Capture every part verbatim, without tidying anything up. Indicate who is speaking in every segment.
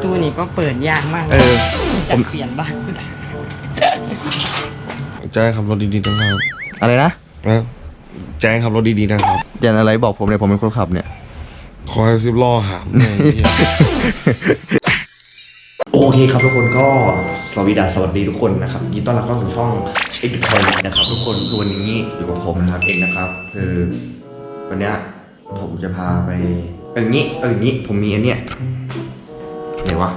Speaker 1: ตูนี่ก็เปิดยากมาก
Speaker 2: เออ
Speaker 1: จะเปลี่ยนบ้าง
Speaker 3: แจ้งขับรถดีๆนะครับ
Speaker 2: อะไรนะ
Speaker 3: นะแจ้งขับรถดีๆนะครับ
Speaker 2: แจนอะไรบอกผมเนี่ยผมเป็นคนขับเนี่ย
Speaker 3: คอยซิบล้อหามเนี่ยไอ้เหี้ย
Speaker 2: โอเคครับทุกคนก็สวัสดีสวัสดีทุกคนนะครับยินดีต้อนรับเข้าสู่ช่องเอ็กซ์ทอยนะครับทุกคนคือวันนี้อยู่กับผมนะครับเองนะครับคือวันเนี้ยผมจะพาไปเอาอย่างนี้เอาอย่างนี้ผมมีอันเนี้ยไหนวะ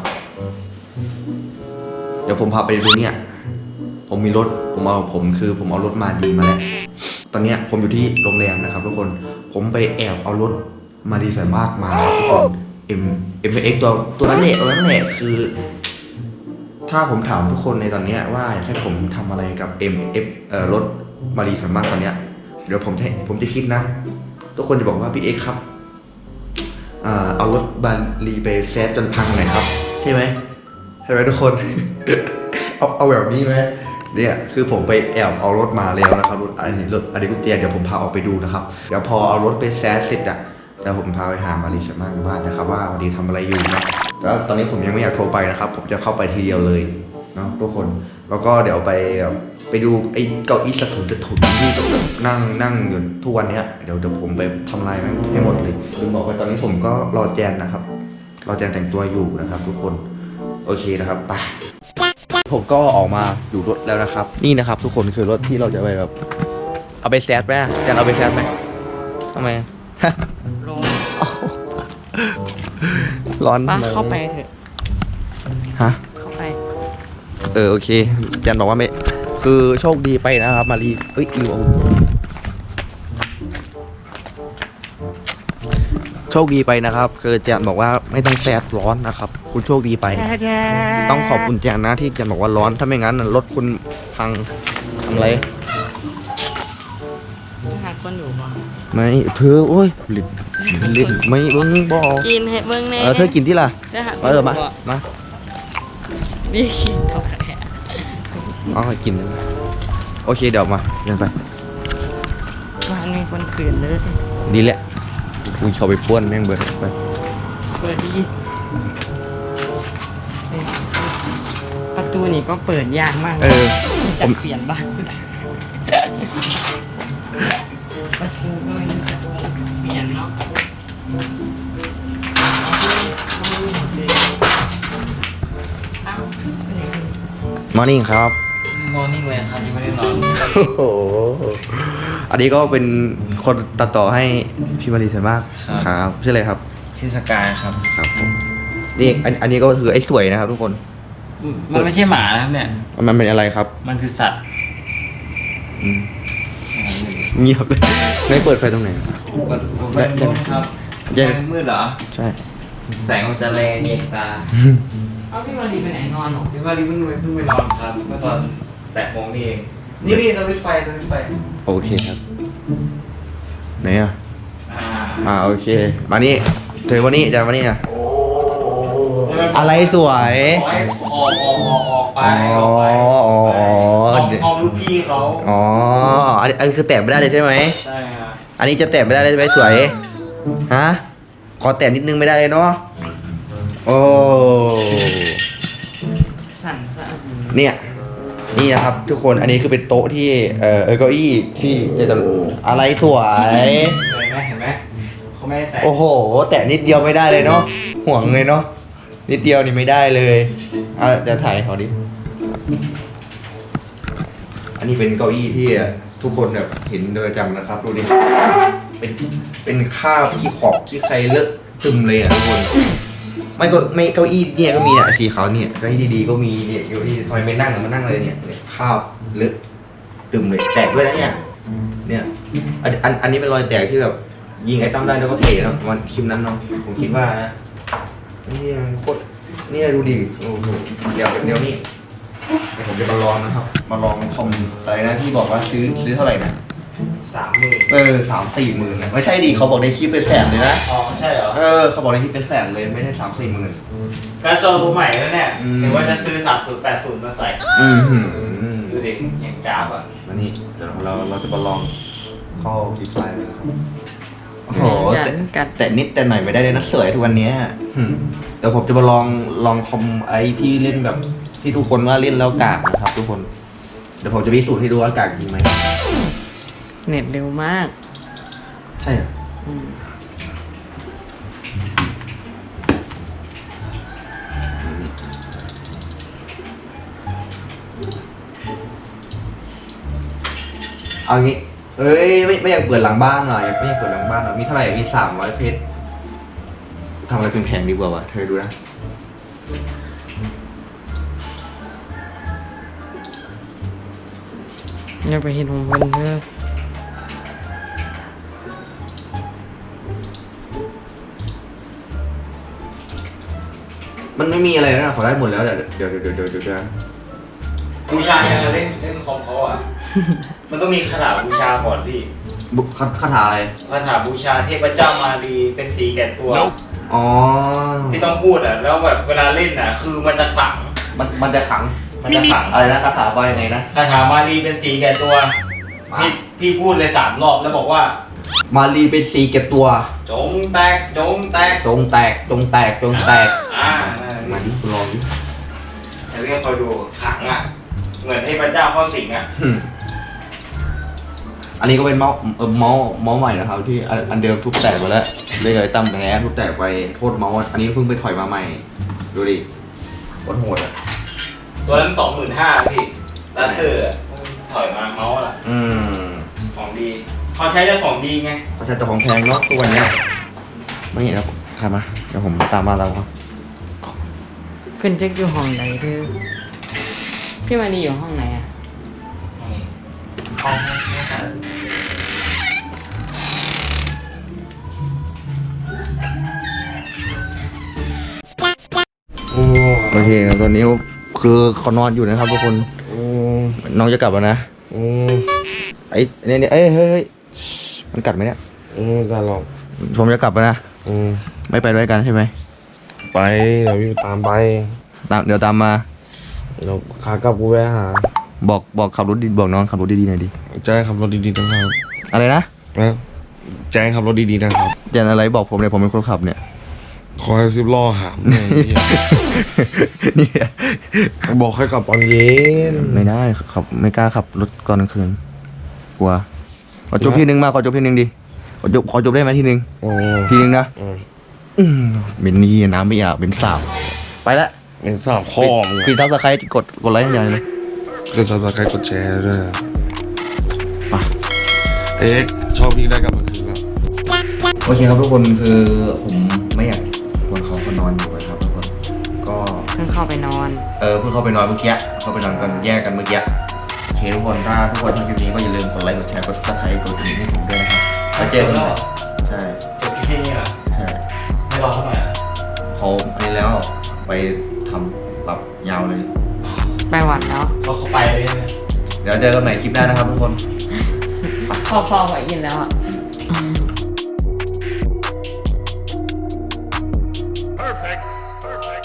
Speaker 2: เดี๋ยวผมพาไปดูเนี่ยผมมีรถผมเอาผมคือผมเอารถมาดีมาแล้วตอนเนี้ยผมอยู่ที่โรงแรมนะครับทุกคนผมไปแอบเอารถมาดีไซน์มากมาครับทุกคนเอ็มเอ็มเอ็กตัวตัวนั้นแหละตัวนั้นแหละคือถ้าผมถามทุกคนในตอนนี้ว่าอยากให้ผมทำอะไรกับ เอ็ม เอฟ เอ่อรถมารีสามารถตอนเนี้ยเดี๋ยวผมจะผมจะคิดนะทุกคนจะบอกว่าพี่เอ็กครับเอ่อเอารถบารีไปแซดจนพังหน่อยครับใช่ไหมใช่ไหมทุกคน เอาเอาแบบนี้ไหมเนี่ยคือผมไปแอบเอารถมาแล้วนะครับรถอันนี้รถอันนี้กุญแจเดี๋ยวผมพาออกไปดูนะครับเดี๋ยวพอเอารถไปแซดเสร็จอะแล้วผมพาไปหามารีสามารถบ้านนะครับว่ามารีทำอะไรอยู่นะแล้วตอนนี้ผมยังไม่อยากโทรไปนะครับผมจะเข้าไปทีเดียวเลยเนาะทุกคนแล้วก็เดี๋ยวไปไปดูไอ้เก้าอี้สะถุนสะถุนที่แบบนั่งนั่งอยู่ทุกวันเนี้ยเดี๋ยวเดี๋ยวผมไปทำลายมันให้หมดเลยลืมบอกไปตอนนี้ผมก็รอแจนนะครับรอแจนแต่งตัวอยู่นะครับทุกคนโอเคนะครับไปผมก็ออกมาอยู่รถแล้วนะครับนี่นะครับทุกคนคือรถที่เราจะไปแบบเอาไปแซดไหมแจนเอาไปแซดไหมทำไม
Speaker 1: ร้อน
Speaker 2: ร้อน
Speaker 1: ป้าเข้าไปเถอะ
Speaker 2: ฮะ
Speaker 1: เข้าไป
Speaker 2: เออโอเคจันบอกว่าไม่คือโชคดีไปนะครับมารีเอ้ยอีวโชคดีไปนะครับคือจันบอกว่าไม่ต้องแซดร้อนนะครับคุณโชคดีไปต้องขอบคุณจันนะที่จันบอกว่าร้อนถ้าไม่งั้นรถคุณพังทำอะไร
Speaker 1: หาคนอยู่บ้าง
Speaker 2: ไม่เธอโอ้ยลิดลิดไม่เบิ้งบอก
Speaker 1: กินเห็ดเบิ้งแน่
Speaker 2: เออเธอกินที่ล่ะ
Speaker 1: จะหาค
Speaker 2: เอน อมามา
Speaker 1: ดีกินเท่าไหร่
Speaker 2: อ๋อกินโอเคเดี๋ยวมาเดินไป
Speaker 1: วางมีคนขืนเลย
Speaker 2: ดีแหละกูชอบไปป้วนแม่งเบิร์ดไป
Speaker 1: เปิดดีประตูนี่ก็เปิดยากมาก
Speaker 2: เออ
Speaker 1: จะเปลี่ยนบ้างประตูก็ไม่รู้จะเปลี่ยนเนาะ
Speaker 2: มอร์นิ่งครับ
Speaker 4: มอร์นิ่งเลยครับยังไม่ได้นอน
Speaker 2: โอ้โหอันนี้ก็เป็นคนตัดต่อให้พี่มารีสวยมากครับชื่ออะไรครับ
Speaker 4: ชื่อสกายครับ
Speaker 2: ครับผมนี่อันอันนี้ก็คือไอ้สวยนะครับทุกคน
Speaker 4: มันไม่ใช่หมานะครับเนี่ย
Speaker 2: มันเป็นอะไรครับ
Speaker 4: มันคือสัตว์
Speaker 2: อืมเงียบเลยไม่เปิดไฟตรงไหน
Speaker 4: เปิดเปิดมืดครับ
Speaker 2: เย็น
Speaker 4: มันมืดเหรอ
Speaker 2: ใช่
Speaker 4: แสงมันจะแรงเย็นตา
Speaker 1: เอาพี่มาดีไปไหนนอนหรอ
Speaker 4: ที่ว่ารีเพิ่งไปเพิ่งไปนอนครับเมื่อตอนแปดโมงนี่เอง นี่นี่สวิตช์ไฟสวิตช์ไฟ
Speaker 2: โอเคครับไหนอ่ะ
Speaker 4: อ่า
Speaker 2: อ่าโอเคมานี่เธอมานี่จะมานี่นะอะไรสวย
Speaker 4: ขอให้ออกออกออกออกไป
Speaker 2: อ๋อ
Speaker 4: ออกไป
Speaker 2: อ๋ออ๋อ
Speaker 4: พร้อมลูกพี่เขา
Speaker 2: อ๋ออันอันนี้คือแตะไม่ได้เลยใช่ไหม
Speaker 4: ใช่ครับ
Speaker 2: อันนี้จะแตะไม่ได้เลยใช่ไหมสวยฮะขอแตะนิดนึงไม่ได้เลยเนาะโอ้
Speaker 1: สั่นสะอื้น
Speaker 2: เนี่ยนี่นะครับทุกคนอันนี้คือเป็นโต๊ะที่เอ่อเออเก้าอี้ที่จะอะไรสวย
Speaker 4: เห็นไหมเห็นไหมเขาไม่ได้แตะ
Speaker 2: โอ้โหแตะนิดเดียวไม่ได้เลยเนาะห่วงเลยเนาะนิดเดียวนี่ไม่ได้เลยอ่ะเดี๋ยวถ่ายให้เขาดิอันนี้เป็นเก้าอี้ที่ทุกคนแบบเห็นโดยประจำนะครับดูดิเป็นเป็นข้าวขี้ขอบขี้ใครเลอะตึมเลยอ่ะทุกคนไม่ก็ไม่เก้าอี้เนี่ยก็มีเนี่ยสีขาวเนี่ยเก้าอี้ดีๆก็มีเนี่ยเก้าอี้ทำไมไม่นั่งมานั่งเลยเนี่ยเนี่ยข้าวเลอะตึมเลยแตกด้วยนะเนี่ยเนี่ยอันอันอันนี้เป็นรอยแตกที่แบบยิงไอ้ตั้มได้แล้วก็เทนะวันคลิปนั้นเนาะผมคิดว่านะนี่มันโคตรนี่ดูดิโอ้โหเดี๋ยวเดี๋ยวนี้เดี๋ยวผมจะมาลองนะครับ มาลองคอมอะไรนะที่บอกว่าซื้อซื้อเท่าไหร่นะ
Speaker 4: สามหมื่น
Speaker 2: เออสามสี่หมื่นนะไม่ใช่ดิเขาบอกในคลิปเป็นแสนเลยนะ
Speaker 4: อ๋อใช่เหรอ
Speaker 2: เออเขาบอกในคลิปเป็นแสนเลยไม่ใช่สามสี่หมื่น
Speaker 4: การจอตัวใหม่แล้วเนี่ย
Speaker 2: อืม
Speaker 4: หรือว่าจะซื้อสามศูนย์แปดศูนย์มาใส่
Speaker 2: อืมหืม
Speaker 4: ดูดิอย่างจ้าบอ่ะ
Speaker 2: มานี่เดี๋ยวเราเราจะมาลองเข้าดีไฟเลยนะครับโอ้โห
Speaker 1: กั
Speaker 2: แต่
Speaker 1: นกัด
Speaker 2: แต่นิดแต่หน่อยไม่ได้เลยนะสวยทุกวันเนี้ยอืมเดี๋ยวผมจะมาลองลองคอมไอที่เล่นแบบที่ทุกคนว่าเล่นแล้วกากนะครับ ทุกคน เดี๋ยวผมจะพิสูจน์ให้ดูว่ากากจริงไหม
Speaker 1: เน็ตเร็วมาก
Speaker 2: ใช่เหรอ
Speaker 1: อืม
Speaker 2: เอางี้ เอ้ยไม่ไม่อยากเปิดหลังบ้านหน่อยไม่อยากเปิดหลังบ้านหน่อยมีเท่าไหร่มีสามร้อยเพชรทำอะไรเป็นแพงๆดีกว่าวะเธอดูนะ
Speaker 1: อย่าไปเห็นของมันเด้อ
Speaker 2: มันไม่มีอะไรแล้วนะขอได้หมดแล้วเดี๋ยวเดี๋ยวเดี๋ยวเดี๋ยวเดี๋ยวเดี๋ยว
Speaker 4: บูชายังไงเล่นเล่นคอมเขาอ่ะ มันต้องมีคาถาบูชาก่อนพี่
Speaker 2: บุคคาถาอะไร
Speaker 4: คาถาบูชาเทพเจ้ามารีเป็นสีแก่ตัว
Speaker 2: อ๋อ
Speaker 4: ที่ต้องพูดอ่ะ แล้วแบบเวลาเล่นอ่ะ คือมันจะขลัง
Speaker 2: มันมันจะขัง
Speaker 4: มันจะขลัง
Speaker 2: อะไรนะคาถาว่ายังไงนะ
Speaker 4: คาถามารีเป็นสีแก่ตัว พี่พี่พูดเลยสามรอบแล้วบอกว่า
Speaker 2: มารีเป็นสีเก็บตัว
Speaker 4: จงแตกจงแตก
Speaker 2: จงแตกจงแตกจงแตก
Speaker 4: อ่า
Speaker 2: มาดิลองดิ
Speaker 4: แต่เรื่องคอยดูขลังอ่ะ เหมือนเทพเจ้าเข้าสิงอ่ะ
Speaker 2: อืมอันนี้ก็เป็นเมาส์เออเมาส์เมาส์ใหม่นะครับ ที่อันอันเดิมทุบแตกไปแล้วเลยเลยตั้มแพ้ทุบแตกไปโทษเมาส์อันนี้เพิ่งไปถอยมาใหม่ ดูดิโคตรโหดอ่ะ
Speaker 4: ตัวนั้นสองหมื่นห้าพี่ลาเซอร์อะถอยมาเมาส์ล่ะ
Speaker 2: อืม
Speaker 4: ของดี เขาใช้ได้ของดีไง
Speaker 2: เขาใช้แต่ของแพงเนาะตัวเนี้ยไม่เห็นนะใครมาเดี๋ยวผมตามมาแล้วครับ
Speaker 1: เพื่อนเจ๊กอยู่ห้องไหนเด้อพี่มาดีอยู่ห้องไหนอ่ะ
Speaker 4: นี่ห้องห้าสิบ
Speaker 3: โอ้
Speaker 2: โอเคครับตอนนี้คือเขานอนอยู่นะครับทุกคน
Speaker 3: โอ้
Speaker 2: น้องจะกลับแล้วนะ
Speaker 3: โอ้
Speaker 2: ไอ้เนี่ยเนี่ยเอ้ยเฮ้ยเฮ้ยมันกัดไหมเนี่ย
Speaker 3: โอ้การหลอก
Speaker 2: ผมจะกลับแล้วนะ
Speaker 3: โอ้
Speaker 2: ไม่ไปด้วยกันใช่ไหม
Speaker 3: ไปเดี๋ยวพี่ตามไป
Speaker 2: ตามเดี๋ยวตามมา
Speaker 3: เดี๋ยวขากลับกูแวะหา
Speaker 2: บอกบอกขับรถดีบอกน้องขับรถดีๆหน่อยดิ
Speaker 3: แจ้งขับรถดีๆนะครับ
Speaker 2: อะไรนะ
Speaker 3: นะแจ้งขับรถดีๆนะครับ
Speaker 2: เจนอะไรบอกผมเนี่ยผมเป็นคนขับเนี่ย
Speaker 3: คอยซิบล้อหามเนี่ยไอ้เหี้ย
Speaker 2: เนี่ย
Speaker 3: บอกให้กลับตอนเย็น
Speaker 2: ไม่ได้ขับไม่กล้าขับรถก่อนกลางคืนกลัวขอจบที่หนึ่งมาขอจบที่หนึ่งดิขอจบขอจบได้ไหมที่หนึ่ง
Speaker 3: โอ้
Speaker 2: ทีหนึ่งนะ
Speaker 3: อืม
Speaker 2: อืมเป็นนี่น้ำไม่อยากเป็นสาวไปละ
Speaker 3: เป็นสามข้อมึง
Speaker 2: ปีซับสไครต์กดกดไลค์อย่างเดียวเลย
Speaker 3: ก็ซับสไครต์กดแชร์ด้วย
Speaker 2: ไป
Speaker 3: เอ๊ะชอบพี่ได้กลับมาคืนแล้ว
Speaker 2: โอเคครับทุกคนคือผมไม่อยากกวนเขาเขานอนอยู่นะครับทุกคนก็
Speaker 1: เพิ่งเข้าไปนอน
Speaker 2: เออเพิ่งเข้าไปนอนเมื่อกี้เข้าไปนอนกันแยกกันเมื่อกี้โอเคทุกคนถ้าทุกคนชอบคลิปนี้ก็อย่าลืมกดไลค์กดแชร์กดซับสไครต์กดกระดิ่งให้ผมด้วยนะครับแล้วเจอกันใหม่ใช่
Speaker 4: จบที่นี่เหรอ
Speaker 2: ใช่
Speaker 4: ไม่รอเขาหน่อยเหรอ
Speaker 2: เขาอันนี้แล้วไปทำปรับยาวเลย
Speaker 1: ไปหวันแล้ว
Speaker 4: เขาเข้าไปเลยใช่ไหม
Speaker 2: เดี๋ยวเจอกันใหม่คลิปหน้านะครับทุกคน
Speaker 1: พ่อพ่อไหวยินแล้วอ่ะ
Speaker 5: Perfect. Perfect.